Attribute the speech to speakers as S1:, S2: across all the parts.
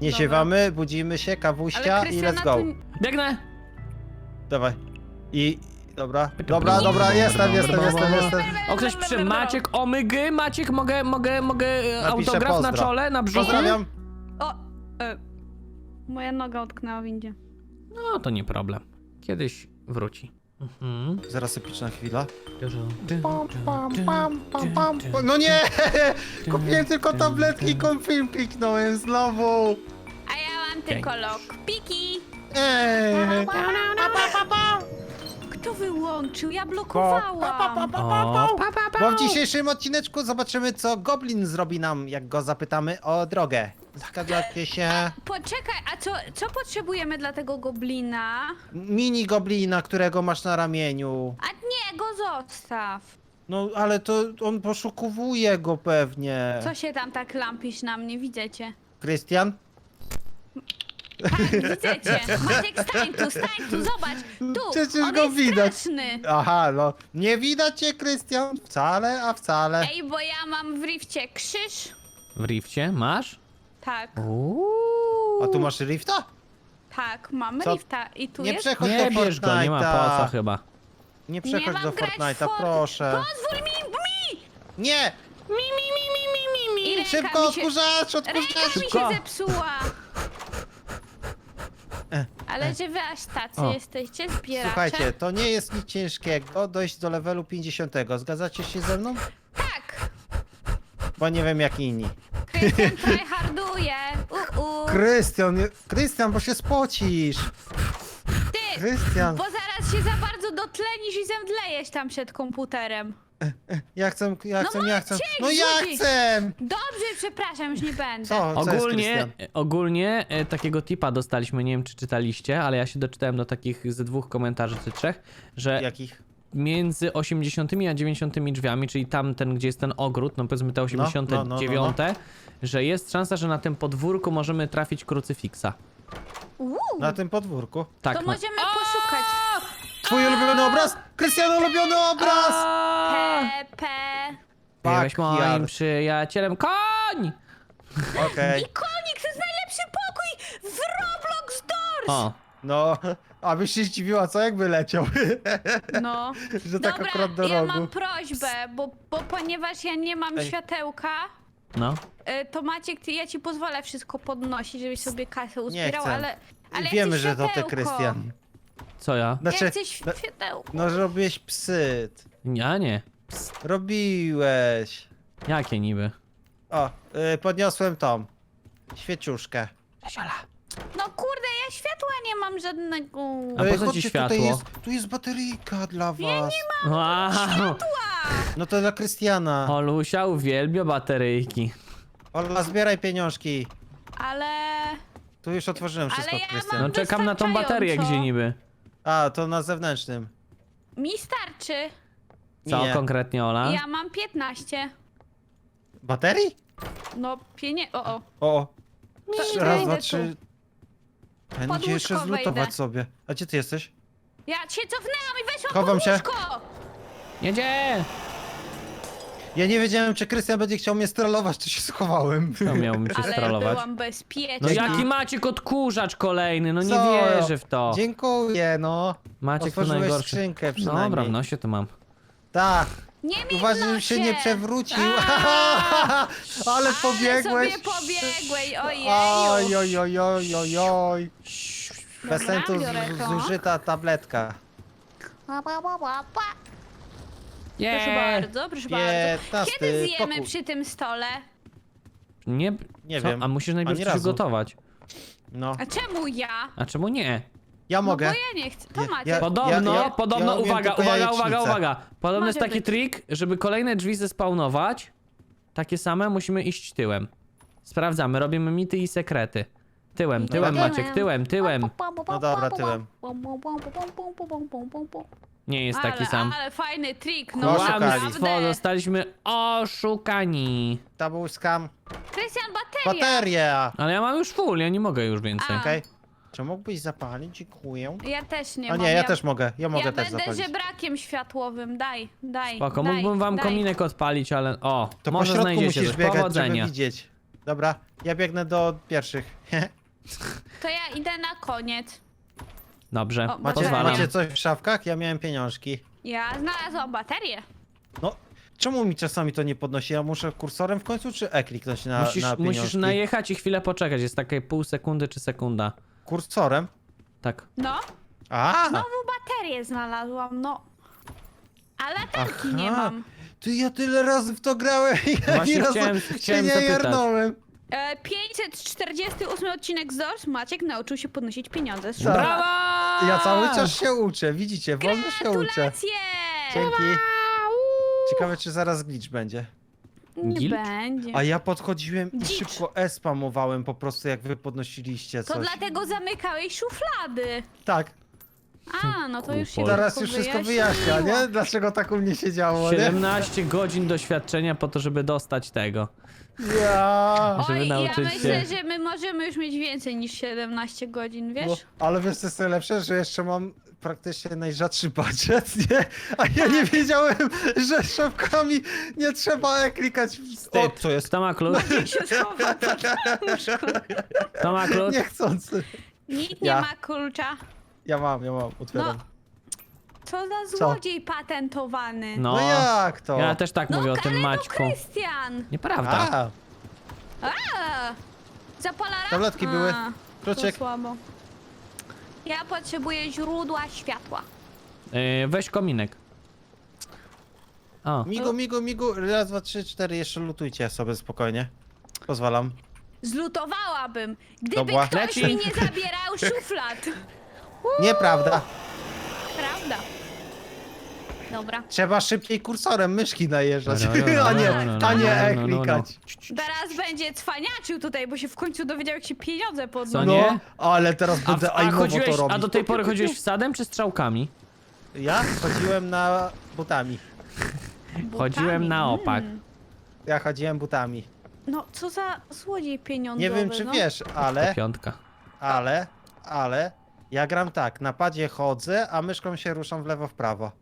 S1: Nie
S2: Dobra.
S1: siewamy, budzimy się, kawuścia
S2: Ale
S1: i
S2: Krystiana
S1: let's go.
S2: tu...
S3: Biegnę!
S1: Dawaj. I... Dobra, jestem.
S3: O, ktoś przy... Maciek, omygy, Maciek, mogę autograf na
S1: pozdro.
S3: czole, na brzuchu?
S1: Pozdrawiam.
S2: O! Moja noga utknęła w windzie.
S3: No, to nie problem. Kiedyś wróci.
S1: Zaraz epyczna chwila. No nie! Kupiłem tylko tabletki, film kliknąłem znowu.
S2: A ja mam tylko lockpiki.
S1: Ej.
S2: Kto wyłączył? Ja blokowałam.
S3: O,
S1: Bo w dzisiejszym odcineczku zobaczymy, co Goblin zrobi nam, jak go zapytamy o drogę. Zgadzacie się?
S2: Poczekaj, a co potrzebujemy dla tego goblina?
S1: Mini Goblina, którego masz na ramieniu.
S2: A nie, go zostaw.
S1: No, ale to on poszukuje go pewnie.
S2: Co się tam tak lampisz na mnie? Widzę cię.
S1: Krystian?
S2: Tak, widzę cię. Maciek, stań tu, zobacz. Tu,
S1: Przecież
S2: on
S1: go
S2: jest
S1: widać.
S2: straszny.
S1: Aha, no. Nie widać cię, Krystian? Wcale, a wcale.
S2: Ej, bo ja mam w rifcie krzyż.
S3: w rifcie masz?
S2: Tak,
S1: A tu masz rifta?
S2: tak, mam
S1: Co?
S2: rifta. I tu
S1: Nie
S2: jest...
S1: przechodź
S3: Nie
S1: do
S3: bierz go, nie ma po co chyba.
S1: Nie
S2: Nie
S1: przechodź
S2: mam
S1: do
S2: grać w
S1: Fortnite'a,
S2: Fort-
S1: proszę.
S2: Pozwól mi!
S1: Nie!
S2: I ręka
S1: Szybko,
S2: mi się...
S1: odkurzacz,
S2: Ręka
S1: odkurzacz!
S2: mi
S3: Szybko.
S2: się zepsuła. Ale że wy aż tacy
S3: O.
S2: jesteście, zbieracze.
S1: Słuchajcie, to nie jest nic ciężkiego dojść do levelu 50. Zgadzacie się ze mną?
S2: Tak!
S1: Bo nie wiem jak inni.
S2: Krystian tryharduje.
S1: Krystian, bo się spocisz.
S2: Ty!
S1: Krystian,
S2: Bo zaraz się za bardzo dotlenisz i zemdlejesz tam przed komputerem.
S1: ja chcę.
S2: Maciek,
S1: No ja
S2: rzucić.
S1: chcę!
S2: Dobrze, przepraszam, już nie będę.
S1: Co jest Krystian?
S3: Ogólnie takiego tipa dostaliśmy, nie wiem czy czytaliście, ale ja się doczytałem do takich z 2 komentarzy czy 3, że
S1: Jakich?
S3: między 80 a 90 drzwiami, czyli tamten, gdzie jest ten ogród, no powiedzmy te 89, że jest szansa, że na tym podwórku możemy trafić krucyfiksa.
S1: Na tym podwórku.
S3: Tak,
S2: To
S3: no.
S2: możemy poszukać.
S1: Twój ulubiony obraz? Krystian, ulubiony obraz!
S2: Pepe.
S3: Byłeś moim
S1: Backyard.
S3: przyjacielem. Koń!
S1: Okej.
S2: I konik, to jest najlepszy pokój w Roblox Doors!
S3: O,
S1: No, abyś się zdziwiła, co jakby leciał.
S2: No.
S1: Że tak
S2: Dobra,
S1: akurat do
S2: ja
S1: rogu.
S2: mam prośbę, bo ponieważ ja nie mam
S1: Ej.
S2: światełka,
S3: no.
S2: to Maciek, ty, ja ci pozwolę wszystko podnosić, żebyś sobie kasę uzbierał,
S1: chcę.
S2: ale ja
S1: Wiemy,
S2: chcę
S1: że to ty,
S2: światełko.
S1: Krystian.
S3: Co ja?
S1: Znaczy,
S2: Ja chcę światełko.
S1: no robiłeś psyt.
S3: Ja nie.
S1: Robiłeś.
S3: Jakie niby?
S1: O, podniosłem tą świeciuszkę.
S3: Czesiola.
S2: No kurde, ja światła nie mam żadnego.
S3: A po co ci
S1: chodźcie,
S3: światło?
S1: Tu jest bateryjka dla was.
S3: Wow.
S1: No to dla Krystiana.
S3: Olusia uwielbia bateryjki.
S1: Ola, zbieraj pieniążki.
S2: Ale...
S1: Tu już otworzyłem wszystko,
S2: ja
S1: Krystian.
S3: No
S2: mam-
S3: czekam na tą baterię,
S2: Wystarczająco.
S3: gdzie niby.
S1: A, to na zewnętrznym.
S2: Mi starczy.
S3: Co
S1: Nie.
S3: konkretnie, Ola?
S2: Ja mam 15.
S1: Baterii?
S2: No, o.
S1: O,
S2: To
S1: raz,
S2: idę
S1: dwa,
S2: tu.
S1: trzy.
S2: Pod
S1: Będzie jeszcze
S2: łóżko
S1: zlutować
S2: wejdę.
S1: sobie. A gdzie ty jesteś?
S2: Ja się cofnęłam i weszłam
S1: Chowam
S2: pod
S1: się.
S2: łóżko!
S3: Jedzie!
S1: Ja nie wiedziałem, czy Krystian będzie chciał mnie strollować, czy się schowałem.
S3: To miałbym cię
S2: Ale
S3: strollować.
S2: byłam bezpieczna.
S3: No
S1: Dzięki.
S3: jaki Maciek odkurzacz kolejny, no nie
S1: Co?
S3: wierzę w to.
S1: Dziękuję, no.
S3: Maciek to
S1: Otworzyłeś
S3: najgorszy.
S1: skrzynkę przynajmniej.
S3: Dobra, w nosie to mam.
S1: Tak.
S2: Nie mi
S1: Uważaj,
S2: w
S1: żebym
S2: nosie.
S1: się nie przewrócił. Ale pobiegłeś.
S2: Ale sobie pobiegłeś,
S1: Oj,
S2: ojeju.
S1: oj, oj, oj, oj, oj. Bez
S2: Dobra,
S1: sensu
S2: biorę to.
S1: zużyta tabletka.
S2: Proszę bardzo, proszę bardzo.
S1: 15
S2: Kiedy zjemy
S1: pokój.
S2: przy tym stole?
S3: Nie,
S1: Nie
S3: co?
S1: wiem.
S3: A musisz najpierw
S1: Ani razu.
S3: przygotować.
S1: No,
S2: A czemu ja?
S3: A czemu nie?
S1: ja
S2: No bo
S1: mogę.
S2: ja nie chcę. To
S1: Ja-
S2: Maciek.
S1: ja-
S3: Podobno,
S1: umiem
S3: uwaga,
S1: tylko
S3: uwaga,
S1: jajecznicę.
S3: uwaga, uwaga. Podobno jest
S2: Może
S3: taki
S2: być.
S3: trik, żeby kolejne drzwi zespawnować. Takie same, musimy iść tyłem. Sprawdzamy, robimy mity i sekrety. Tyłem, tyłem
S1: Tyłem.
S3: Maciek, tyłem, tyłem.
S1: No dobra, tyłem.
S3: Nie jest taki sam.
S2: Ale fajny trik, no
S1: Oszukali.
S3: Kłamstwo,
S2: naprawdę.
S3: zostaliśmy oszukani.
S1: To był skam.
S2: Krystian, bateria.
S1: Bateria!
S3: Ale ja mam już full, ja nie mogę już więcej.
S2: A.
S1: Okej. Czy mógłbyś zapalić? Dziękuję.
S2: Ja też nie
S1: A
S2: mam.
S1: nie, ja też mogę. Ja mogę
S2: Ja
S1: też
S2: będę
S1: zapalić.
S2: żebrakiem światłowym, daj.
S3: Spoko,
S2: daj,
S3: mógłbym wam
S2: daj.
S3: kominek odpalić, ale o,
S1: To po
S3: może
S1: środku
S3: znajdziecie
S1: musisz
S3: coś.
S1: biegać,
S3: Powodzenia.
S1: żeby widzieć. Dobra, ja biegnę do pierwszych.
S2: To ja idę na koniec.
S3: Dobrze,
S2: O,
S1: Macie,
S3: pozwalam.
S1: macie coś w szafkach? Ja miałem pieniążki.
S2: Ja znalazłam baterię.
S1: No, czemu mi czasami to nie podnosi? Ja muszę kursorem w końcu, czy E kliknąć na pieniążki?
S3: Musisz najechać i chwilę poczekać, jest takie pół sekundy czy sekunda.
S1: Kursorem?
S3: Tak.
S2: No,
S1: A!
S2: znowu baterię znalazłam, no. A latarki nie
S1: Aha.
S2: mam.
S1: Ty, ja tyle razy w to grałem i
S3: Właśnie
S1: ani razu
S3: chciałem
S1: się nie
S3: zapytać.
S1: jarnąłem.
S2: 548 odcinek z Doors. Maciek nauczył się podnosić pieniądze z
S1: Tak.
S2: szuflad.
S3: Brawa!
S1: Ja cały czas się uczę, widzicie, wolno się uczę.
S2: Gratulacje!
S1: Dzięki. Ciekawe, czy zaraz glitch będzie.
S2: Nie
S3: Gilcz?
S2: będzie.
S1: A ja podchodziłem i
S2: Dzicz.
S1: szybko E spamowałem po prostu, jak wy podnosiliście
S2: To
S1: coś.
S2: dlatego zamykałeś szuflady.
S1: Tak,
S2: A, no to już się
S3: Kupol.
S1: teraz już wszystko wyjaśnia, nie? Dlaczego tak u mnie się działo, nie?
S3: 17 godzin doświadczenia po to, żeby dostać tego.
S1: Ja.
S3: Żeby
S2: Oj, ja
S3: nauczyć
S2: myślę,
S3: się.
S2: że my możemy już mieć więcej niż 17 godzin, wiesz?
S1: No, ale wiesz, co jest najlepsze, że jeszcze mam praktycznie najrzadszy budżet, nie? A ja nie wiedziałem, że szafkami nie trzeba klikać. O,
S3: Wstyd.
S1: co jest?
S3: Kto ma klucz?
S2: się schowa pod łóżko.
S3: Kto ma klucz?
S1: Niechcący.
S2: Nikt nie
S1: Ja.
S2: ma klucza.
S1: Ja mam, otwieram.
S2: No. Co za złodziej patentowany.
S1: No,
S3: No,
S1: jak to?
S3: ja też tak
S2: No,
S3: mówię o tym
S2: Kaleno
S3: Maćku.
S2: Krystian!
S3: Nieprawda.
S1: A,
S2: A, zapalara?
S1: Tabletki były.
S2: A,
S1: Kluczyk.
S2: to słabo. Ja potrzebuję źródła światła.
S3: Weź kominek. O,
S1: migu. Raz, dwa, trzy, cztery. Jeszcze lutujcie sobie spokojnie. Pozwalam.
S2: Zlutowałabym, gdyby
S1: Dobra.
S2: ktoś
S3: Leci.
S2: mi nie zabierał szuflad.
S1: Nieprawda.
S2: Prawda. Dobra.
S1: Trzeba szybciej kursorem myszki najeżdżać,
S3: No,
S1: a nie E klikać.
S2: Teraz będzie cwaniaczył tutaj, bo się w końcu dowiedział, jak się pieniądze
S3: Co
S2: podnoszą.
S3: nie?
S1: No, ale teraz będę aimowo to robić.
S3: a do tej pory chodziłeś wsadem czy strzałkami?
S1: Ja chodziłem na butami.
S2: Butami.
S3: Chodziłem na opak.
S1: Ja chodziłem butami.
S2: No, co za złodziej pieniądzowy,
S1: Nie wiem, czy
S2: no.
S1: wiesz,
S3: To
S1: ale,
S3: piątka.
S1: ja gram tak, na padzie chodzę, a myszką się ruszam w lewo, w prawo.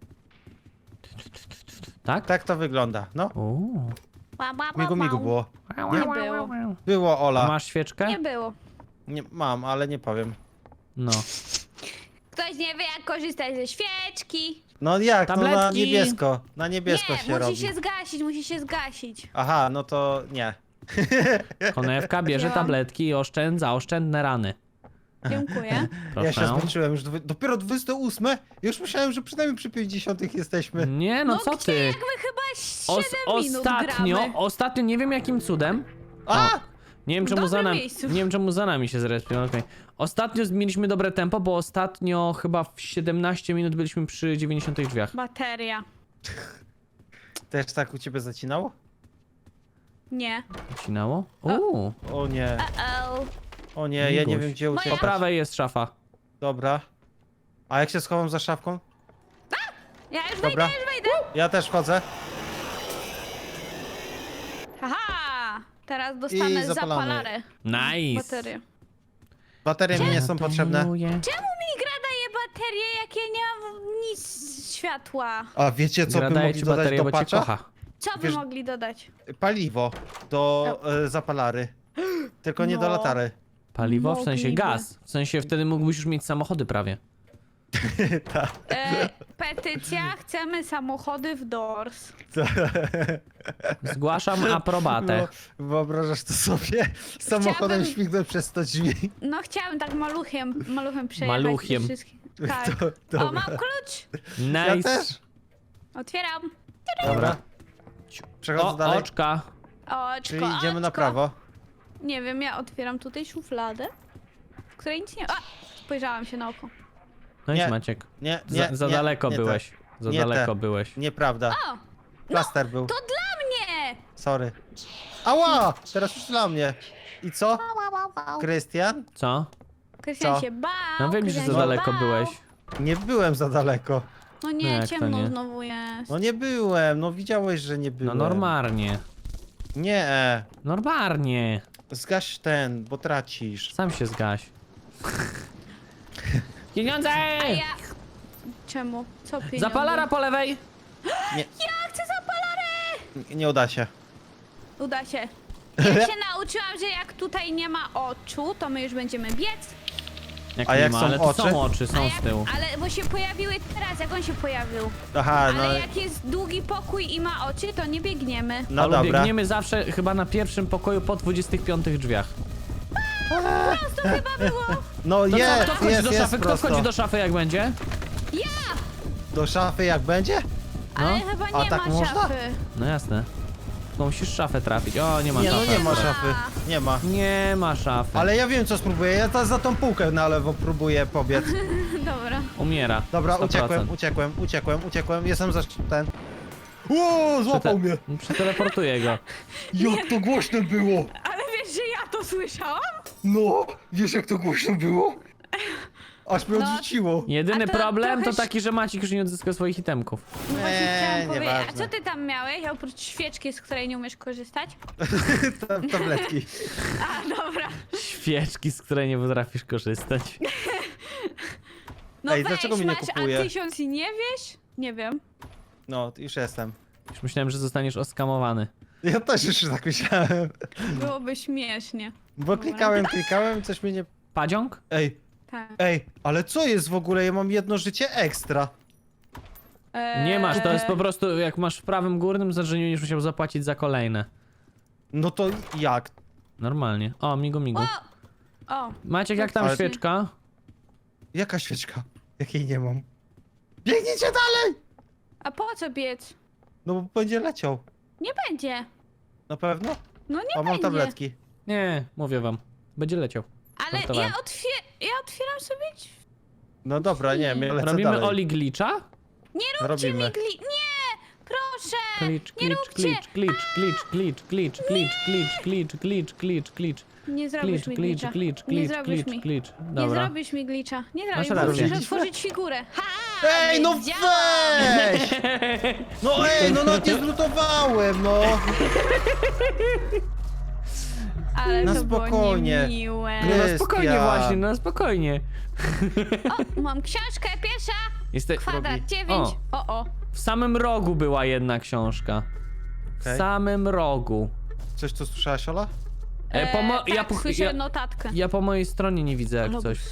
S3: Tak?
S1: Tak to wygląda, no.
S3: Uuu.
S1: Migu było.
S2: Nie było.
S1: Było,
S3: A
S1: Ola.
S3: masz świeczkę?
S2: Nie było.
S1: Nie, mam, ale nie powiem.
S3: No.
S2: Ktoś nie wie, jak korzystać ze świeczki.
S1: No jak, to na
S3: Tabletki.
S1: niebiesko. Na niebiesko
S2: Nie,
S1: się
S2: musi
S1: robi.
S2: się zgasić.
S1: Aha, no to nie.
S3: Konewka bierze
S2: Wzięłam.
S3: tabletki i oszczędza oszczędne rany.
S2: Dziękuję.
S1: Ja się
S3: Proszę.
S1: zmęczyłem, już dopiero 28? Już myślałem, że przynajmniej przy 50 jesteśmy.
S3: Nie, no co
S2: gdzie?
S3: ty?
S2: Jak my chyba 7 minut gramy.
S3: Ostatnio, nie wiem jakim cudem.
S1: A!
S3: Nie wiem,
S2: W
S3: czemu za
S2: dobrym
S3: nami,
S2: miejscu.
S3: nie wiem czemu za nami się zrespią, okej. Ostatnio mieliśmy dobre tempo, bo ostatnio chyba w 17 minut byliśmy przy 90 drzwiach.
S2: Bateria.
S1: Też tak u ciebie zacinało?
S2: Nie.
S3: Zacinało? Uuu.
S1: O nie,
S2: Uh-oh.
S1: o nie, ja nie
S3: Miguś.
S1: wiem gdzie
S2: Moja-
S3: Po
S1: uciekać.
S3: prawej jest szafa.
S1: Dobra. A jak się schowam za szafką?
S2: Ja już
S1: Dobra.
S2: wejdę.
S1: Ja też wchodzę.
S2: Haha! Teraz dostanę
S1: I zapalamy.
S2: zapalarę.
S3: Nice.
S2: Baterię.
S1: Baterie mi nie są potrzebne.
S2: Czemu mi gra daje baterię, jak ja nie mam nic światła?
S1: A wiecie co by
S3: Gra daje
S1: mogli
S3: ci
S1: dodać
S3: baterię,
S1: do
S3: bo cię
S1: patcha?
S3: kocha.
S2: Co by
S1: Wiesz-
S2: mogli dodać?
S1: Paliwo do zapalary. Tylko nie do
S2: No.
S1: latary.
S3: Paliwo? W sensie
S2: Mogliby.
S3: gaz. W sensie wtedy mógłbyś już mieć samochody prawie.
S2: Petycja, chcemy samochody w Doors.
S3: Zgłaszam aprobatę.
S1: Wyobrażasz to sobie? Samochodem
S2: Chciałabym-
S1: śmignąć przez 100 drzwi.
S2: No chciałam tak maluchem przejechać.
S3: Maluchiem.
S2: tych wszystkich. Tak.
S1: To,
S2: O,
S1: dobra.
S2: mam klucz!
S1: Ja
S3: Nice.
S1: też.
S2: Otwieram.
S1: Dobra. Przechodzę
S3: O,
S1: dalej.
S3: oczka.
S2: Oczko,
S1: Czyli idziemy na
S2: oczko.
S1: prawo.
S2: Nie wiem, ja otwieram tutaj szufladę, w której nic nie ma. Spojrzałam się na oko.
S3: No i
S1: Nie.
S3: Maciek.
S1: Nie, nie,
S3: Za
S1: nie,
S3: daleko
S1: nie
S3: byłeś. Za
S1: Nie
S3: daleko
S1: te.
S3: byłeś.
S1: Nieprawda.
S2: O!
S1: Plaster był.
S2: To dla mnie!
S1: Sorry. Ała! Teraz już dla mnie. I co? Krystian?
S3: Co?
S2: Krystian
S1: Co?
S2: się bał.
S3: No wiem, że
S2: Krystian
S3: za
S2: się
S3: daleko
S2: bał.
S3: byłeś.
S1: Nie byłem za daleko.
S2: No
S3: No
S2: nie,
S3: jak to
S2: ciemno
S3: nie?
S2: znowu jest.
S1: No nie byłem, no widziałeś, że nie
S3: No
S1: byłem.
S3: normalnie.
S1: Nie,
S3: Normalnie.
S1: zgaś ten, bo tracisz.
S3: Sam się zgaś. Pieniądze!
S2: A ja... Czemu? Co pieniądze?
S3: Zapalara po lewej!
S1: Nie,
S2: Ja chcę zapalarę!
S1: nie uda się.
S2: Uda się. Ja się nauczyłam, że jak tutaj nie ma oczu, to my już będziemy biec.
S3: Jak
S1: A
S3: nie
S1: jak
S3: ma,
S1: są
S3: ale tu
S1: oczy?
S3: są oczy, są
S2: A
S3: z
S2: jak,
S3: tyłu.
S2: ale bo się pojawiły teraz, jak on się pojawił.
S1: Aha, no,
S2: Ale jak jest długi pokój i ma oczy, to nie biegniemy.
S1: no
S3: Ale
S1: dobra.
S3: biegniemy zawsze chyba na pierwszym pokoju po 25 drzwiach.
S2: To chyba było.
S1: No
S3: To co,
S1: jest,
S3: kto wchodzi
S1: jest,
S3: do
S1: jest
S3: szafy? Kto
S1: prosto.
S3: wchodzi do szafy jak będzie?
S2: Ja!
S1: Do szafy jak będzie?
S2: Ale
S3: No.
S2: chyba
S1: A
S2: nie
S1: tak
S2: ma
S1: można?
S2: szafy.
S3: No jasne. Tylko musisz szafę trafić. O, nie ma
S1: Nie, no
S3: szafy.
S1: nie ma
S2: Ma.
S1: szafy. Nie ma.
S3: Nie ma szafy.
S1: Ale ja wiem co spróbuję, ja za tą półkę na lewo próbuję pobiec.
S2: Dobra.
S3: Umiera.
S1: Dobra,
S3: 100%.
S1: uciekłem, jestem za ten. Ło, złapał mnie!
S3: Przeteleportuję go.
S1: Jak to głośno było!
S2: Ale wiesz, że ja to słyszałam?
S1: No, wiesz jak to głośno było? Aż mnie
S2: No.
S1: odrzuciło.
S3: Jedyny
S2: A to
S3: problem to
S2: trochę
S3: taki, że Maciek już nie odzyska swoich itemków.
S2: No właśnie chciałam powiedzieć. A
S1: nieważne.
S2: co ty tam miałeś, oprócz świeczki, z której nie umiesz korzystać?
S1: Tabletki.
S2: A, dobra.
S3: Świeczki, z której nie potrafisz korzystać.
S2: No
S1: Ej,
S2: weź,
S1: dlaczego mnie nie
S2: masz
S1: kupuje?
S2: A1000 i nie wiesz? Nie wiem.
S1: No, już jestem.
S3: Już myślałem, że zostaniesz oskamowany.
S1: Ja też już tak myślałem.
S2: Byłoby śmiesznie.
S1: Bo klikałem, coś mnie nie...
S3: Padziąg?
S2: Tak.
S1: Ej, ale co jest w ogóle? Ja mam jedno życie ekstra.
S3: Nie masz, to jest po prostu, jak masz w prawym górnym, znaczy że nie będziesz musiał zapłacić za kolejne.
S1: No to jak?
S3: Normalnie. O, migu migu.
S2: O,
S3: Maciek, jak tam
S1: Ale-
S3: świeczka?
S1: Jaka świeczka? Jakiej nie mam. Biegnijcie dalej!
S2: a po co biec?
S1: No bo będzie leciał.
S2: Nie będzie.
S1: Na pewno?
S2: No nie
S1: A mam
S2: będzie.
S1: tabletki.
S3: Nie, mówię wam. Będzie leciał.
S2: Ale
S3: Żartowałem.
S2: ja otwieram sobie drzwi.
S1: No dobra, nie, my lecę
S3: Robimy
S1: dalej.
S3: Oli Glitcha?
S2: Nie róbcie
S1: Robimy.
S2: mi Nie! Proszę!
S3: Klicz,
S2: nie
S3: klicz,
S2: róbcie!
S3: klicz, klicz, klicz, klicz, klicz, klicz, klicz, klicz, klicz, klicz,
S2: Nie zrobisz
S3: klicz,
S2: mi
S3: klicz,
S2: glitcha.
S3: klicz,
S2: Nie
S3: klicz,
S2: zrobisz
S3: klicz,
S2: mi.
S3: klicz.
S2: Nie
S3: Dobra.
S2: zrobisz mi glitcha. Nie
S3: Masz
S2: zrobisz,
S3: rację.
S2: musisz otworzyć figurę. Ha!
S1: Ej, no
S2: więc działa.
S1: weź! No ej, no nawet nie zlutowałem, no!
S2: Ale
S1: Na
S2: to
S1: spokojnie.
S2: było niemiłe.
S3: No na spokojnie
S1: Krystian.
S3: właśnie, no na spokojnie.
S2: O, mam książkę pierwsza. Kwadrat
S1: Robi.
S2: 9.
S3: O.
S2: O.
S3: W samym rogu była jedna książka. W
S1: Okej.
S3: samym rogu.
S1: Coś tu słyszałaś, Ola?
S2: Tak, słyszę notatkę.
S3: Ja po mojej stronie nie widzę jak coś.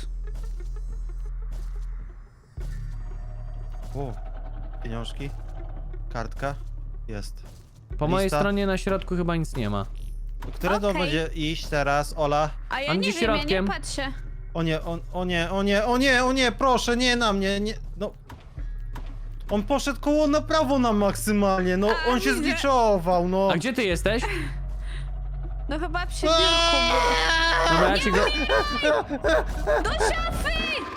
S1: O, pieniążki. Kartka. Jest.
S3: Po mojej
S1: Lista.
S3: stronie na środku chyba nic nie ma.
S1: Które to
S2: Okej.
S1: będzie iść teraz, Ola?
S2: A ja
S3: On
S2: nie
S3: gdzieś
S2: wiem, ja
S3: środkiem.
S2: nie patrzę.
S1: O nie, o nie, o nie, o nie, o nie, proszę, nie na mnie, nie, no. On poszedł koło na prawo nam maksymalnie, no,
S2: A,
S1: on się
S2: widzę.
S1: zgliczował, no.
S3: A gdzie ty jesteś?
S2: No chyba przy biurku.
S3: Dobra, ja ci go...
S2: Do szafy!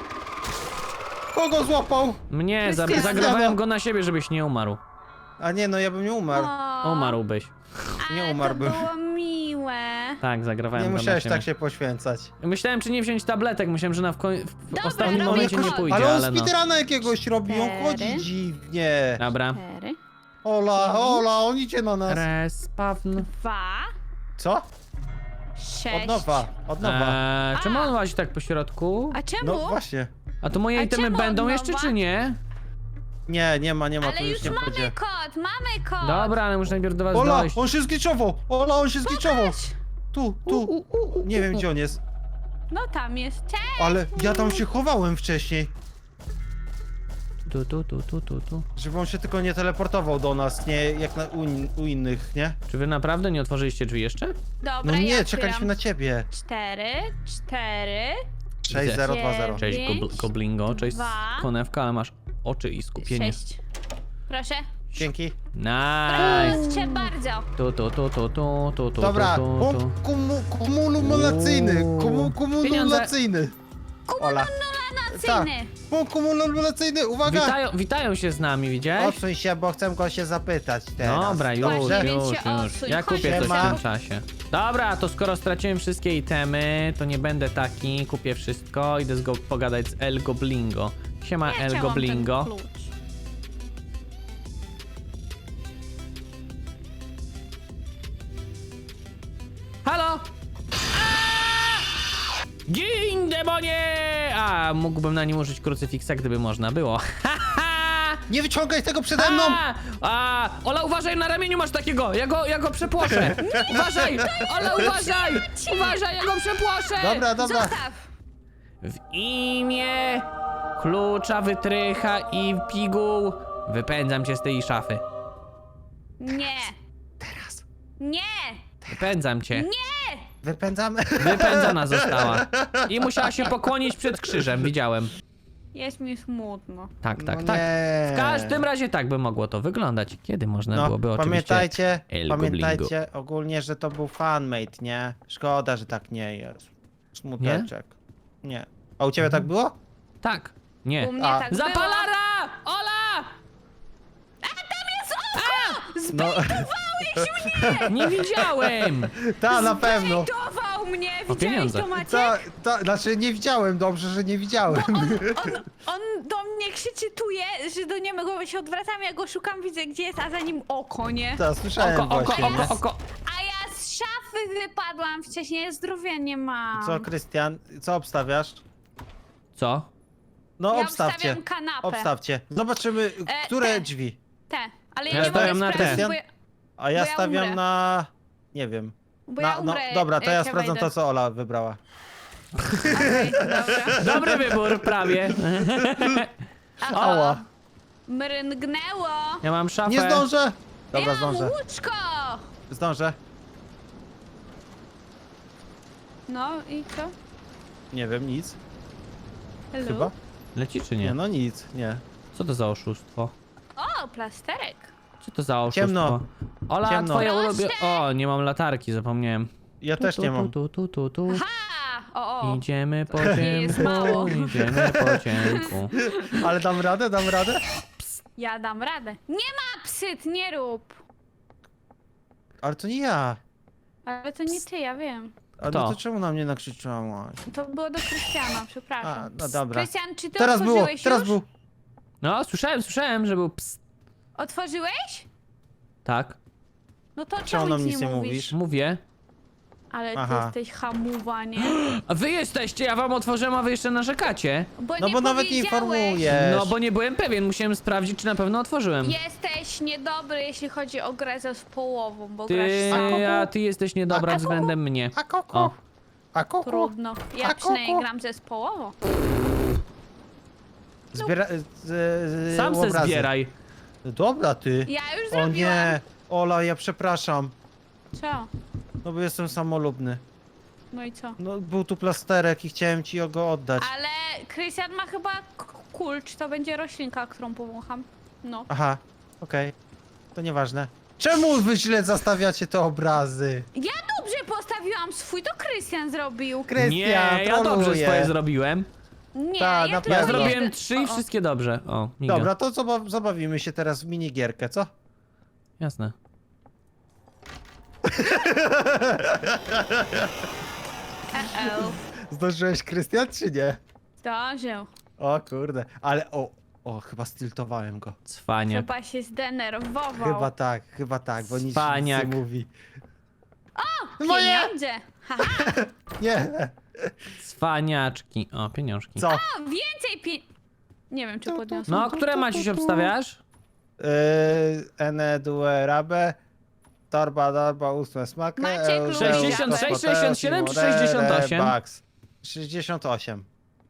S1: Kogo złapał?
S3: Mnie,
S2: Krystian.
S3: zagrawałem go na siebie, żebyś nie umarł.
S1: A nie, no ja bym nie umarł.
S3: Umarłbyś.
S1: Nie
S2: Ale
S1: umarłbym.
S2: to było miłe.
S3: Tak, zagrawałem
S1: Nie
S3: go na
S1: musiałeś
S3: siebie.
S1: tak się poświęcać.
S3: Myślałem, czy nie wziąć tabletek, myślałem, że w
S2: Dobra,
S3: ostatnim
S2: robię
S3: momencie nie
S2: kod.
S3: pójdzie,
S1: Ale on
S3: ale no.
S1: speedruna jakiegoś robi, on
S2: Cztery.
S1: chodzi dziwnie.
S3: Dobra.
S2: 4,
S1: Ola, Ola, on idzie na nas.
S3: Respawn.
S2: 2,
S1: Co?
S2: 6.
S1: Od nowa, od nowa.
S3: Czemu on łazi tak po środku?
S2: A czemu?
S1: No właśnie.
S3: A to moje
S2: A
S3: itemy
S2: czemu
S3: będą
S2: od
S3: jeszcze,
S2: nowa?
S3: czy nie?
S1: Nie ma,
S2: Ale
S1: tu
S2: już
S1: już nie
S2: mamy
S1: będzie.
S2: kod, mamy kod.
S3: Dobra, ale muszę najpierw do was
S1: Ola,
S3: dojść.
S1: on się zgliczował! Ola, on się zgliczował!
S2: Patrz.
S1: Tu. Nie wiem gdzie on jest.
S2: No tam jest. Cześć.
S1: Ale ja tam się chowałem wcześniej.
S3: Tu.
S1: Żeby on się tylko nie teleportował do nas, nie jak u innych, nie?
S3: Czy wy naprawdę nie otworzyliście drzwi jeszcze?
S2: Dobra,
S1: No nie,
S2: ja
S1: czekaliśmy na ciebie.
S2: 4, 4.
S1: 6020.
S3: Cześć,
S2: Pięć,
S3: Goblingo, cześć,
S2: dwa,
S3: Konewka, ale masz oczy i skupienie.
S2: 6. Proszę.
S1: Dzięki.
S3: Nice!
S2: Proszę bardzo.
S3: Tu.
S1: Dobra, punkt kumulacyjny. Kumulacyjny. Ola.
S2: Nacyjny.
S1: Punkt kumulacyjny, uwaga!
S3: Witają się z nami, widziałeś?
S1: Odsuń się, bo chcę go się zapytać teraz.
S3: Dobra, już,
S2: Właśnie, więc się
S3: już.
S2: odsuń.
S3: Ja
S2: Chodź,
S3: kupię coś w
S1: Siema.
S3: tym czasie. Dobra, to skoro straciłem wszystkie itemy, to nie będę taki, kupię wszystko, idę pogadać z El Goblingo. Siema
S2: Ja
S3: El
S2: chciałam
S3: Goblingo.
S2: ten klucz.
S3: Halo! Gin, demonie! A, mógłbym na nim użyć krucyfiksa, gdyby można było. Haha!
S1: Nie wyciągaj tego przede mną!
S3: Ola, uważaj, na ramieniu masz takiego! Ja go przepłoszę! Uważaj! Ola, uważaj! Uważaj, ja go przepłoszę!
S1: Dobra, dobra.
S2: Zostaw!
S3: W imię klucza, wytrycha i piguł wypędzam cię z tej szafy.
S2: Nie!
S1: Teraz.
S2: Nie!
S3: Wypędzam cię.
S2: Nie!
S1: Wypędzamy.
S3: Wypędzona została. I musiała się pokłonić przed krzyżem, widziałem.
S2: Jest mi smutno.
S3: Tak,
S1: No
S3: tak, tak.
S1: nie.
S3: W każdym razie tak by mogło to wyglądać. Kiedy można byłoby oczywiście...
S1: Pamiętajcie ogólnie, że to był fanmate, nie? Szkoda, że tak nie jest. Smuteczek. Nie. A u ciebie tak było?
S3: Tak. Nie.
S2: U mnie
S1: A.
S2: tak było.
S3: Zapalara! Ola!
S1: No,
S3: Nie widziałem!
S1: ta na pewno.
S2: Zbejtował mnie!
S3: O
S2: Widziałeś
S3: pieniądze.
S2: to, Maciek?
S1: Znaczy nie widziałem, dobrze, że nie widziałem.
S2: On do mnie krzyczy że do niego się odwracam, ja go szukam, widzę gdzie jest, a za nim oko, nie?
S1: To słyszałem
S3: Oko,
S1: właśnie.
S3: oko.
S2: A ja z szafy wypadłam wcześniej, zdrowia nie mam.
S1: Co, Krystian, co obstawiasz?
S3: Co?
S1: No
S2: Ja
S1: obstawcie.
S2: obstawiam kanapę.
S1: Obstawcie. Zobaczymy, które
S2: te.
S1: drzwi.
S2: Te, ale
S3: Ja
S2: ja nie
S3: stawiam
S2: mogę
S3: na
S2: sprawdzić,
S1: te.
S2: bo ja,
S1: A ja
S2: Bo ja
S1: stawiam
S2: umrę.
S1: na... Nie wiem.
S2: bo ja umrę,
S1: dobra, to
S2: jak
S1: ja sprawdzam
S2: wejdę.
S1: to, co Ola wybrała.
S2: Okej, dobra.
S3: Dobry wybór, prawie.
S1: Ała.
S2: Mryngnęło.
S3: Ja mam szafę.
S1: Nie zdążę! Dobra,
S2: ja
S1: zdążę.
S2: mam łóżko.
S1: Zdążę.
S2: No i co?
S1: Nie wiem, nic.
S2: Hello?
S1: Chyba?
S3: Leci czy
S1: Nie,
S3: nie?
S1: no nic, nie.
S3: Co to za oszustwo?
S2: O, plasterek.
S3: Co to za oszustwo?
S1: Ciemno.
S3: Ola,
S1: Ciemno.
S3: twoje
S2: Proszę.
S3: ulubione... O, nie mam latarki, zapomniałem.
S1: Ja też nie mam.
S3: Tu.
S2: Ha! O.
S3: Idziemy po
S2: Jest
S3: ciemku,
S2: mało.
S3: idziemy po ciemku.
S1: Ale dam radę, dam radę?
S2: Ja dam radę. Nie ma psyt, nie rób.
S1: Ale to nie ja.
S2: Ale to nie ty, ja wiem.
S1: A
S3: Kto?
S1: no to czemu na mnie nakrzyczałaś?
S2: To było do Krystiana,
S1: A,
S2: przepraszam.
S1: no dobra.
S2: Krystian, czy ty
S1: Teraz było,
S2: otworzyłeś
S1: teraz
S2: już?
S1: był.
S3: No, słyszałem, że był ps.
S2: Otworzyłeś?
S3: Tak,
S2: No to
S1: Czemu
S2: czemu
S1: nam
S2: nic
S1: nic
S2: nie
S1: nie
S2: mówisz?
S1: mówisz?
S3: mówię.
S2: Ale ty
S1: Aha.
S2: jesteś hamuwa, nie?
S3: A wy jesteście, ja wam otworzyłem, a wy jeszcze narzekacie.
S1: No bo nawet nie
S2: powiedziałeś.
S1: informujesz.
S3: No, bo nie byłem pewien, musiałem sprawdzić, czy na pewno otworzyłem.
S2: Jesteś niedobry, jeśli chodzi o grę z połową, bo
S3: Ty,
S2: grasz
S3: a ty jesteś niedobra
S1: A
S3: względem mnie.
S1: A koko?
S3: O.
S1: A koko?
S2: trudno. Ja
S1: A
S2: przynajmniej
S1: koko?
S2: gram ze połową.
S1: Zbiera...
S3: Sam se
S1: obrazy.
S3: zbieraj.
S1: Dobra, ty.
S2: Ja już
S1: O
S2: zrobiłam.
S1: nie. Ola, ja przepraszam.
S2: Co?
S1: No bo jestem samolubny.
S2: No i co?
S1: No był tu plasterek i chciałem ci go oddać.
S2: Ale Krystian ma chyba kulcz, to będzie roślinka, którą powącham. No.
S1: Aha, okej. To nieważne. Czemu wy źle zastawiacie te obrazy?
S2: Ja dobrze postawiłam swój, to Krystian zrobił.
S1: Krystian,
S3: Nie, ja dobrze
S1: troluje.
S3: swoje zrobiłem.
S2: Nie,
S1: Ta,
S2: ja
S1: na
S2: tylko
S3: Ja
S1: pewno.
S3: zrobiłem
S2: jeden-
S3: 3 i
S2: O, o.
S3: wszystkie dobrze. O, miga.
S1: Dobra, to zabawimy się teraz w minigierkę, co?
S3: Jasne.
S2: Uh-oh.
S1: Zdążyłeś, Krystian, czy nie?
S2: Zdążył.
S1: O kurde, ale chyba stiltowałem go.
S3: Cwanie.
S2: Chyba się zdenerwował.
S1: Chyba tak, bo nic
S3: Cwaniak.
S1: nie mówi.
S2: Pieniądze. Haha.
S1: Nie,
S3: Cwaniaczki. O, pieniążki.
S1: co?
S2: O, więcej Nie wiem, czy podniosłem.
S3: No, które Maciuś obstawiasz?
S1: Ene due rabe, torba ósme smaky.
S2: Maciek lubi
S3: 66, 67 czy 68?
S1: 68.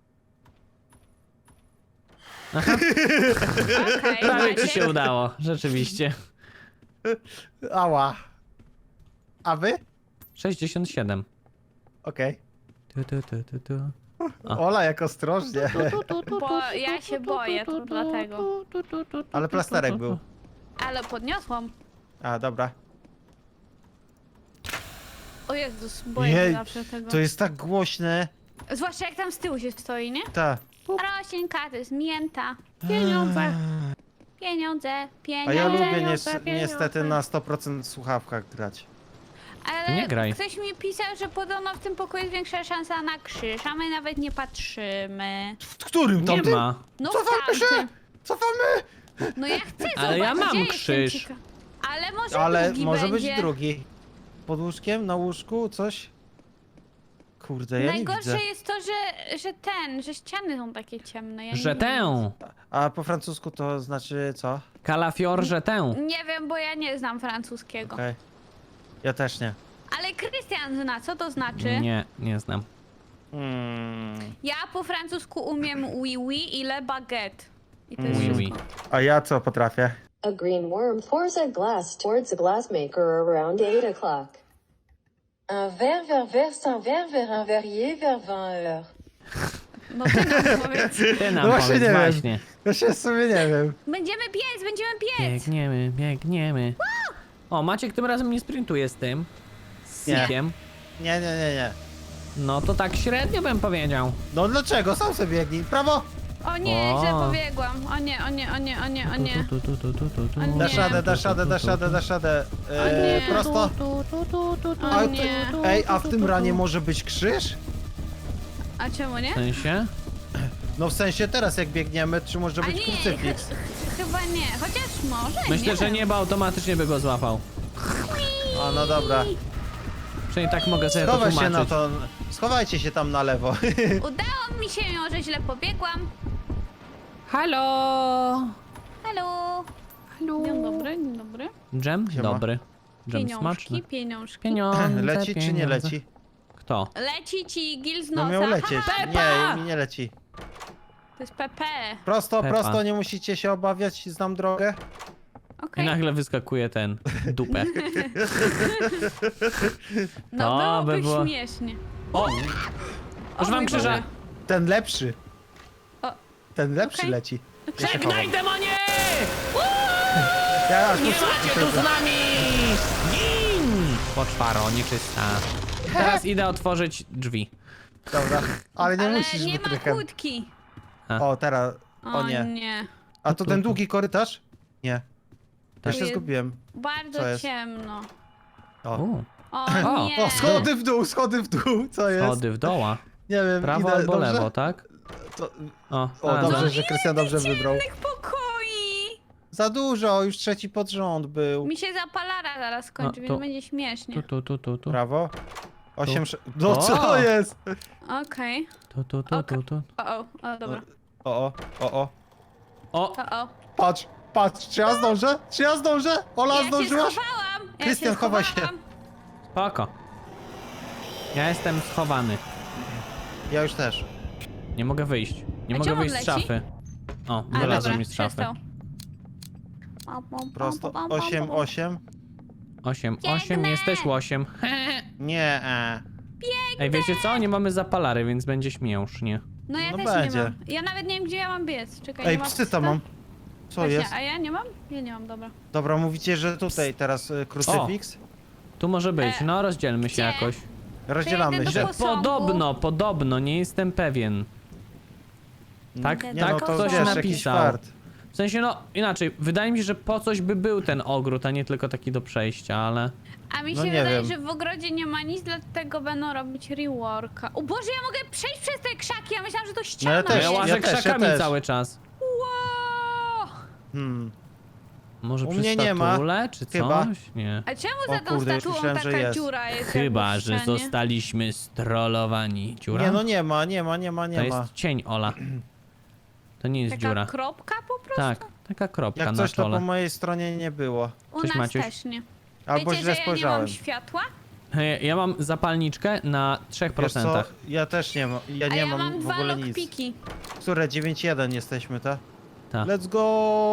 S2: Okej,
S3: Prawie ci
S2: Maciek.
S3: się udało, rzeczywiście.
S1: Ała. A wy?
S3: 67.
S1: Okej.
S3: Tu. A.
S1: Ola, jak ostrożnie.
S2: Bo ja się boję, to dlatego.
S1: Ale plasterek był.
S2: Ale podniosłam.
S1: A, dobra.
S2: O Jezus, boję
S1: Jej,
S2: się zawsze tego.
S1: to jest tak głośne.
S2: Zwłaszcza jak tam z tyłu się stoi, nie?
S1: Ta.
S2: Roślinka, to jest mięta. Pieniądze. Pieniądze, pieniądze.
S1: A ja lubię
S2: pieniądze.
S1: niestety na 100% słuchawkach grać.
S2: Ale
S3: Nie graj.
S2: ktoś mi pisał, że podobno w tym pokoju jest większa szansa na krzyż, a my nawet nie patrzymy.
S1: W którym
S3: Nie ma.
S2: No
S1: Cofamy
S2: w
S1: się!
S2: tamtym.
S1: Cofamy!
S2: No ja chcę
S3: Ale ja
S2: zobaczyć,
S3: mam
S2: gdzie
S3: krzyż.
S2: jestem Ale może
S1: Ale
S2: drugi
S1: może
S2: będzie.
S1: być drugi. Pod łóżkiem, na łóżku, coś? Kurde, ja nie widzę.
S2: Najgorsze jest to, że ściany są takie ciemne. Ja nie
S3: Że
S2: wiem.
S3: tę.
S1: A po francusku to znaczy co?
S3: Kalafior, że tę.
S2: Nie wiem, bo ja nie znam francuskiego.
S1: Okej. Ja też nie.
S2: Ale Krystian zna, co to znaczy?
S3: Nie, nie znam.
S2: Ja po francusku umiem oui oui i le baguette. I to jest
S3: Oui,
S2: wszystko.
S3: oui.
S1: A ja co potrafię?
S4: A green worm pours a glass towards a glassmaker around 8 o'clock. Un verre verse un verre vers un verrier vers 20 heures.
S2: No ty nam powiedz.
S3: Ty nam
S1: No właśnie
S3: powiedz,
S1: nie wiem.
S3: właśnie.
S1: Ja się w sumie nie wiem.
S2: Będziemy biec!
S3: Biegniemy, biegniemy. O, Maciek tym razem nie sprintuje z tym. Z
S1: Nie.
S3: Sikiem.
S1: Nie.
S3: No to tak średnio bym powiedział.
S1: No dlaczego? Sam sobie biegnij. Prawo!
S2: O nie,
S3: O.
S2: źle pobiegłam. O nie.
S3: Tu,
S2: nie.
S3: tu, tu, tu, tu, tu, tu.
S2: O nie.
S1: Dasz radę, dasz radę, dasz radę, dasz radę.
S2: O nie.
S1: Prosto.
S2: O
S1: A,
S2: nie.
S1: Ej, a w tym ranie może być krzyż?
S2: A czemu nie?
S3: W sensie?
S1: No w sensie teraz jak biegniemy, czy może
S2: A
S1: być
S2: nie,
S1: krucyfiks?
S2: chyba nie. Chociaż może,
S3: Myślę,
S2: nie
S3: że
S2: wiem.
S3: niebo automatycznie by go złapał.
S1: A no dobra.
S3: Przynajmniej tak mogę sobie to
S1: Schowaj się na
S3: tłumaczyć.
S1: to. Schowajcie się tam na lewo.
S2: Udało mi się, mimo że źle pobiegłam.
S3: Halo!
S2: Halo.
S3: Halo!
S2: Dzień dobry, dzień dobry.
S3: Dżem?
S1: Siema.
S3: Dobry. Dżem smaczny.
S2: Pieniążki.
S3: Pieniądze,
S1: Leci czy nie
S3: pieniądze.
S1: leci?
S3: Kto?
S2: Leci ci gil z
S1: No
S2: nosa.
S1: miał lecieć.
S2: Haha,
S1: Nie, mi nie leci.
S2: to jest PP.
S1: Prosto,
S3: Pepa.
S1: prosto, nie musicie się obawiać, znam drogę.
S3: I
S2: Okej.
S3: nagle wyskakuje ten dupę.
S2: No
S3: To by
S2: byłoby
S3: było-
S2: śmiesznie.
S3: O!
S2: O
S3: Używam
S2: mój
S3: krzyża.
S2: Boże.
S1: Ten lepszy.
S2: O.
S1: Ten lepszy
S2: Okej.
S1: leci. Ja się
S3: Żegnaj,
S1: chowam.
S3: demonie!
S1: Ja
S3: Nie macie tu z nami! Gin! Poczwaro, nieczysta. Teraz idę otworzyć drzwi.
S1: Dobra, ale nie
S2: Ale
S1: musisz
S2: nie ma
S1: wytrychem.
S2: kłódki.
S1: O, teraz. O nie.
S2: nie.
S1: A to ten długi korytarz? Nie. Ja się
S2: jest-
S1: zgubiłem.
S2: Bardzo
S1: Co jest?
S2: ciemno.
S1: O.
S2: O,
S3: O,
S2: nie.
S1: O, schody w dół, schody w dół. Co jest?
S3: Schody w doła.
S1: Nie wiem,
S3: Prawo
S1: idę,
S3: albo
S1: dobrze?
S3: lewo, tak?
S1: To...
S3: O,
S1: O, dobrze,
S3: znalazłem.
S1: że Krystian dobrze wybrał.
S2: Tych pokoi.
S1: Za dużo, już trzeci pod rząd był.
S2: Mi się zapalara zaraz skończy,
S3: No,
S2: więc
S3: to-
S2: będzie śmiesznie.
S3: Tu.
S1: Prawo. 8, No
S3: O!
S1: co jest?
S2: Okej.
S3: Tu.
S2: O, dobra.
S1: O.
S3: O,
S2: O.
S1: Patrz, czy ja zdążę? Czy ja zdążę? Ola,
S2: Ja się
S1: zdążyłaś?
S2: schowałam. Ja
S1: Krystian,
S2: się
S1: chowaj
S2: schowałam.
S3: spoko. Ja jestem schowany.
S1: Ja już też.
S3: Nie mogę wyjść. Nie
S2: A
S3: mogę
S2: czemu
S3: wyjść z
S2: leci?
S3: szafy. O,
S2: A,
S3: wylazłem
S2: dobra,
S3: mi z szafy.
S2: przestał.
S1: Prosto. 8.
S3: 8,
S2: Biegnę!
S3: jesteś łosiem.
S1: Nie.
S3: Ej, wiecie co? Nie mamy zapalary, więc będzie śmiesznie.
S2: No ja
S1: No
S2: też
S1: będzie.
S2: nie mam. Ja nawet nie wiem, gdzie ja mam biec. Czekaj,
S1: Ej,
S2: nie ma
S1: psyta mam. Co
S2: Właśnie,
S1: jest?
S2: a ja nie mam? Ja nie mam, dobra.
S1: Dobra, mówicie, że tutaj teraz krucyfiks?
S3: Tu może być, no rozdzielmy się
S2: gdzie?
S3: jakoś.
S1: Rozdzielamy
S2: Przejdę
S1: się.
S2: do posągu.
S3: Podobno, nie jestem pewien. Tak,
S2: Nie,
S1: Nie,
S3: tak
S1: no to
S3: ktoś
S1: wiesz, jakiś
S3: napisał.
S1: fart.
S3: W sensie, no inaczej, wydaje mi się, że po coś by był ten ogród, a nie tylko taki do przejścia, ale...
S2: A mi się
S1: No nie
S2: wydaje,
S1: wiem.
S2: że w ogrodzie nie ma nic, dlatego będą robić reworka. O Boże, ja mogę przejść przez te krzaki, ja myślałam, że to ściana
S1: ja
S3: No
S1: też,
S3: ja
S2: jest.
S3: łażę
S1: ja też,
S3: krzakami
S1: ja też.
S3: cały czas.
S2: Wow!
S3: Może
S1: U
S3: przy
S1: mnie nie ma.
S3: statule, czy coś?
S1: Chyba.
S3: Nie.
S2: A czemu
S1: O
S2: za tą
S1: kurde, już
S2: statuą
S1: myślałem, że
S2: taka
S1: jest.
S2: dziura jest?
S3: Chyba,
S2: jakby w
S3: że
S2: ścianie?
S3: zostaliśmy strollowani. Dziura?
S1: Nie, no nie ma.
S3: To jest cień, Ola. To nie jest
S2: Taka
S3: dziura.
S2: kropka po prostu?
S3: Tak, taka kropka
S1: Jak
S3: na
S1: coś to po
S3: czole.
S1: mojej stronie nie było.
S2: U
S3: Cześć,
S2: nas
S3: Maciuś.
S2: też nie.
S1: Albo
S2: Wiecie,
S1: źle
S2: że ja nie
S1: spojrzałem.
S2: mam światła?
S3: Ja mam zapalniczkę na 3%.
S1: Wiesz co? Ja też nie mam. Ja
S2: A
S1: nie
S2: ja
S1: mam
S2: mam
S1: w
S2: dwa
S1: ogóle nic.
S2: lockpiki.
S1: Które 9-1 jesteśmy, tak?
S3: Ta.
S1: Let's go!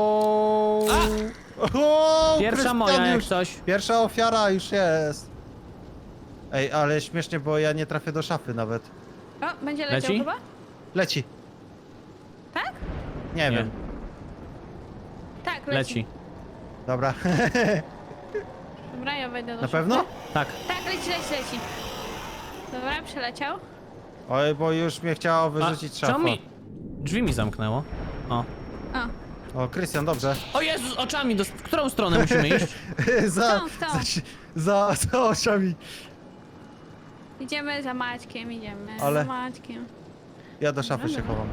S1: O,
S3: Pierwsza
S1: Krystian
S3: moja jak
S1: już.
S3: coś.
S1: Pierwsza ofiara już jest. Ej, ale śmiesznie, bo ja nie trafię do szafy nawet.
S2: O, będzie leciał
S3: Leci?
S2: chyba?
S1: Leci.
S2: Tak?
S1: Nie
S3: Nie.
S1: wiem.
S2: Tak,
S3: Leci.
S1: Dobra.
S2: Dobra, ja wejdę do
S1: Na
S2: szafy.
S1: pewno?
S3: Tak.
S2: Tak, leci. Dobra, przeleciał.
S1: Oj, bo już mnie chciało wyrzucić z
S3: czemu
S1: szafą.
S3: mi... Drzwi mi zamknęło. O.
S2: O,
S1: Krystian, dobrze.
S3: O Jezus, oczami, w którą stronę musimy iść?
S2: W tą.
S1: za oczami.
S2: Idziemy za Maćkiem,
S1: Ale-
S2: za Maćkiem.
S1: Ja do szafy się chowam.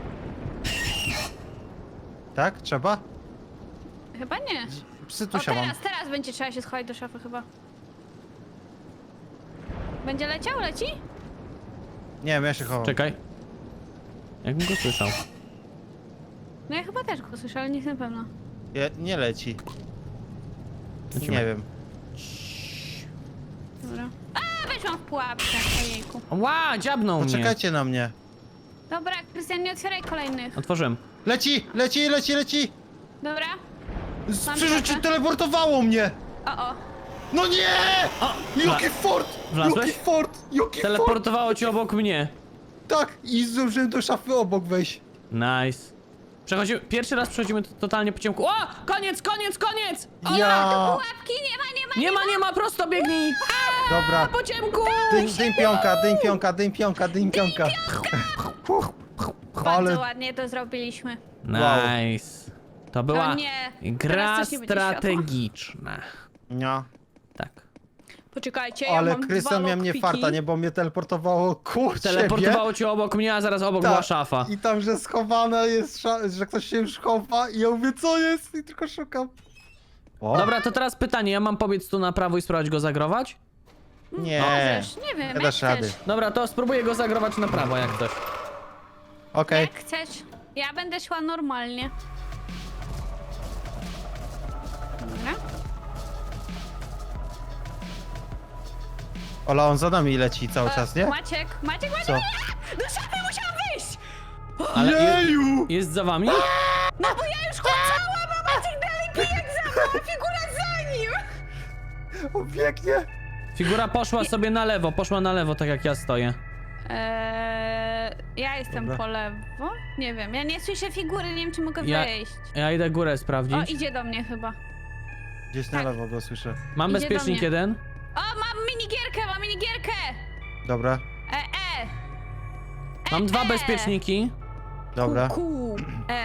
S1: Tak? Trzeba?
S2: Chyba nie.
S1: Psy
S2: O,
S1: tu się mam.
S2: teraz będzie trzeba się schować do szafy chyba. Będzie leciał? Leci?
S1: Nie wiem, ja się chowam.
S3: Czekaj. Jakbym go słyszał.
S2: No ja chyba też go słyszę, ale nie jestem pewna.
S1: Nie leci.
S3: Lecimy.
S1: Nie wiem.
S2: Dobra. A, weszłam w pułapkę, ojejku.
S3: Ła, dziabnął mnie.
S1: Poczekajcie na mnie.
S2: Dobra, Krystian, nie otwieraj kolejnych.
S3: Otworzyłem.
S1: Leci!
S2: Dobra? Mam
S1: Przecież
S2: trafę.
S1: teleportowało mnie!
S2: O.
S1: No nie!
S3: O!
S1: Jaki fort!
S3: Wlazłeś?
S1: Jaki fort! Jaki fort!
S3: Teleportowało cię obok mnie.
S1: Tak! I zdążyłem do szafy obok wejść.
S3: Nice. Przechodzimy, pierwszy raz przechodzimy totalnie po ciemku. O! Koniec!
S1: Ja!
S2: Pułapki nie ma.
S3: Nie ma, prosto biegnij!
S1: Dobra.
S3: Po ciemku!
S1: Dyń pionka.
S2: Bardzo
S1: Ale
S2: ładnie to zrobiliśmy.
S3: Nice. To była
S2: nie,
S3: gra
S2: teraz coś nie będzie
S3: strategiczna.
S1: nie.
S3: Tak.
S2: Poczekajcie, ja
S1: Ale
S2: mam
S1: Krystian
S2: dwa
S1: miał mnie
S2: lockpiki.
S1: farta, nie? Bo mnie teleportowało ku
S3: Teleportowało cię obok mnie, a zaraz obok
S1: Tak.
S3: była szafa.
S1: I tam, że schowana jest, że ktoś się już chowa i ja mówię, co jest? I tylko szukam. O,
S3: Dobra, to teraz pytanie, ja mam pobiec tu na prawo i spróbować go zagrować?
S1: nie.
S2: Możesz, nie wiem,
S1: Nie
S2: jak
S1: dasz rady.
S2: chcesz.
S3: Dobra, to spróbuję go zagrować na prawo, jak coś.
S1: Okej.
S2: Jak chcesz. Ja będę szła normalnie. Dobra.
S1: Ola, on za nami leci cały czas, nie?
S2: Maciek,
S1: Co?
S2: nie! Do szafy musiałam wyjść!
S3: Ale
S1: Jeju!
S3: jest za wami?
S2: No bo ja już chodzałam, a Maciek dalej pijak za mną, a figura za nim!
S1: On biegnie.
S3: Figura poszła na lewo, tak jak ja stoję.
S2: Ja jestem
S1: Dobra.
S2: po lewo? Nie wiem, ja nie słyszę figury, nie wiem czy mogę
S3: Ja-
S2: wejść.
S3: Ja idę górę
S2: O,
S3: sprawdzić.
S2: idzie do mnie chyba.
S1: Gdzieś na
S2: Tak.
S1: lewo go słyszę.
S3: Mam
S2: idzie do
S3: bezpiecznik
S2: mnie.
S3: jeden.
S2: O, mam minigierkę!
S1: Dobra,
S3: Mam dwa bezpieczniki.
S1: dobra.
S2: Ku,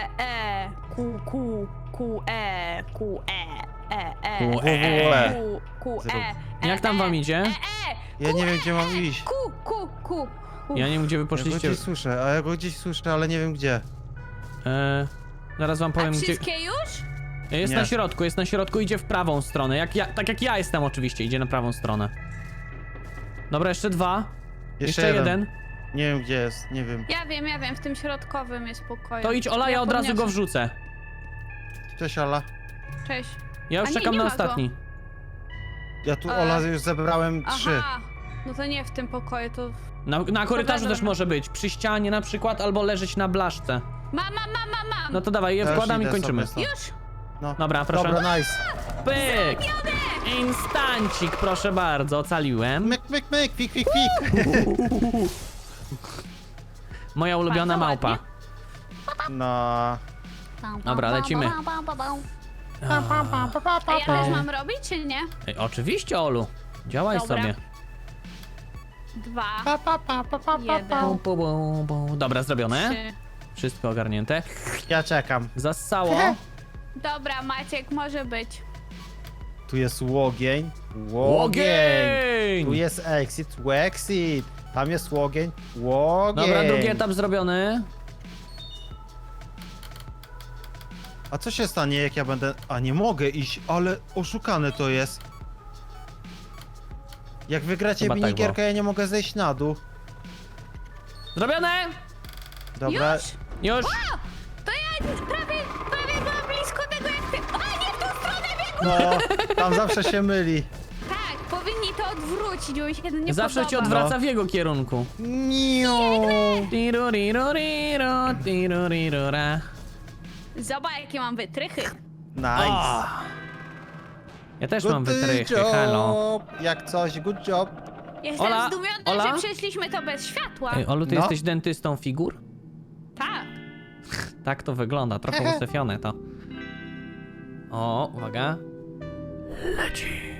S1: WWE.
S3: Jak tam wam idzie?
S1: Ja nie wiem, gdzie mam iść.
S2: Ku.
S3: Ja nie wiem, gdzie wy
S1: Ja go
S3: poszliście.
S1: gdzieś słyszę, a ja go gdzieś słyszę, ale nie wiem gdzie.
S3: Zaraz wam
S2: A
S3: powiem, gdzie...
S2: wszystkie już?
S3: Jest
S1: Nie.
S3: na środku, idzie w prawą stronę. Tak jak ja jestem oczywiście, idzie na prawą stronę. Dobra, jeszcze dwa. Jeszcze jeden.
S1: Nie wiem, gdzie jest, nie wiem.
S2: Ja wiem, w tym środkowym jest pokoju.
S3: To idź Ola, ja od razu go
S2: podniosę.
S3: wrzucę.
S1: Cześć, Ola.
S2: Cześć.
S3: Ja już
S2: A nie,
S3: czekam
S2: nie
S3: na
S2: ma go.
S3: ostatni.
S1: Ja tu,
S2: E.
S1: Ola, już zebrałem 3.
S2: Aha, no to nie w tym pokoju, to...
S3: Na korytarzu
S2: Dobra.
S3: też może być. Przy ścianie na przykład, albo leżeć na blaszce.
S2: Mam.
S3: No to dawaj, je
S1: Ja już
S3: wkładam i
S1: idę
S3: kończymy.
S1: sobie
S2: Już?
S1: No.
S3: Dobra, proszę.
S1: Dobra, nice.
S3: Pyk! Instancik, proszę bardzo, ocaliłem.
S1: Myk, fik.
S3: Moja ulubiona
S2: Bardzo
S3: małpa.
S2: ładnie.
S1: No.
S3: Dobra, lecimy.
S2: A ja też mam robić, czy nie?
S3: Ej, oczywiście, Olu. Działaj
S2: Dobra.
S3: sobie.
S2: 2,
S3: Bum,
S2: 1,
S3: bum, bum, bum. Dobra, zrobione.
S2: 3.
S3: Wszystko ogarnięte.
S1: Ja czekam.
S3: Zassało.
S2: Dobra, Maciek, może być.
S1: Tu jest łogień.
S3: Łogień!
S1: Tu jest exit. Tam jest łogień. Łogień.
S3: Dobra, drugi etap zrobiony.
S1: A co się stanie, jak ja będę... A nie mogę iść, ale oszukane to jest. Jak wygracie
S3: Chyba tak
S1: minigierkę, ja nie mogę zejść na dół.
S3: Zrobione!
S1: Dobra.
S2: Już?
S3: Już!
S2: To ja prawie byłam blisko tego jak ty. A nie w tą stronę biegł!
S1: No, tam zawsze się myli.
S2: Tak, powinni to odwrócić, bo mi się nie
S3: Zawsze cię
S2: podoba.
S3: odwraca w jego kierunku.
S1: Niu.
S3: Tiruriruriro, tirurirura.
S2: Zobacz, jakie mam wytrychy.
S1: Nice.
S3: Ja też
S1: Good
S3: mam wytrychy,
S1: job.
S3: halo.
S1: Jak coś, good job.
S2: Jestem
S3: Ola?
S2: zdumiona,
S3: Ola?
S2: że przeszliśmy to bez światła.
S3: Ej, Olu, ty
S1: No.
S3: jesteś dentystą figur?
S2: Tak.
S3: Tak to wygląda, trochę usyfione to. O, uwaga. Leci.